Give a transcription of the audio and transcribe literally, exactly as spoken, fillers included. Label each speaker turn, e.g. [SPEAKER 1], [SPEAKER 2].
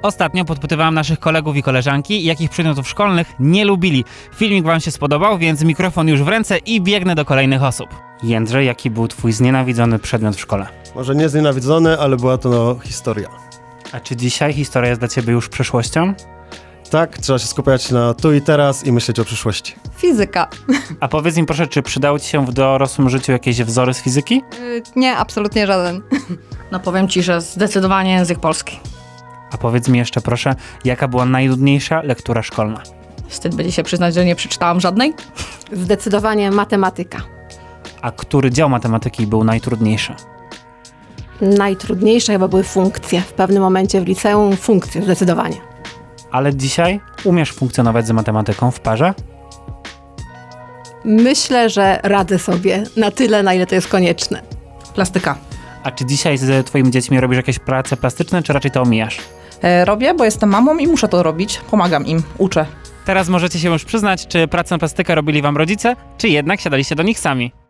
[SPEAKER 1] Ostatnio podpytywałem naszych kolegów i koleżanki, jakich przedmiotów szkolnych nie lubili. Filmik wam się spodobał, więc mikrofon już w ręce i biegnę do kolejnych osób. Jędrzej, jaki był twój znienawidzony przedmiot w szkole?
[SPEAKER 2] Może nie znienawidzony, ale była to no, historia.
[SPEAKER 1] A czy dzisiaj historia jest dla ciebie już przyszłością?
[SPEAKER 2] Tak, trzeba się skupiać na tu i teraz i myśleć o przyszłości.
[SPEAKER 3] Fizyka.
[SPEAKER 1] A powiedz mi proszę, czy przydały ci się w dorosłym życiu jakieś wzory z fizyki?
[SPEAKER 3] Y, nie, absolutnie żaden.
[SPEAKER 4] No powiem ci, że zdecydowanie język polski.
[SPEAKER 1] A powiedz mi jeszcze proszę, jaka była najnudniejsza lektura szkolna?
[SPEAKER 4] Wstyd będzie się przyznać, że nie przeczytałam żadnej.
[SPEAKER 5] Zdecydowanie matematyka.
[SPEAKER 1] A który dział matematyki był najtrudniejszy?
[SPEAKER 5] Najtrudniejsze chyba były funkcje. W pewnym momencie w liceum funkcje, zdecydowanie.
[SPEAKER 1] Ale dzisiaj umiesz funkcjonować z matematyką w parze?
[SPEAKER 5] Myślę, że radzę sobie na tyle, na ile to jest konieczne.
[SPEAKER 4] Plastyka.
[SPEAKER 1] A czy dzisiaj z twoimi dziećmi robisz jakieś prace plastyczne, czy raczej to omijasz?
[SPEAKER 6] E, robię, bo jestem mamą i muszę to robić. Pomagam im, uczę.
[SPEAKER 1] Teraz możecie się już przyznać, czy pracę na plastykę robili wam rodzice, czy jednak siadaliście do nich sami.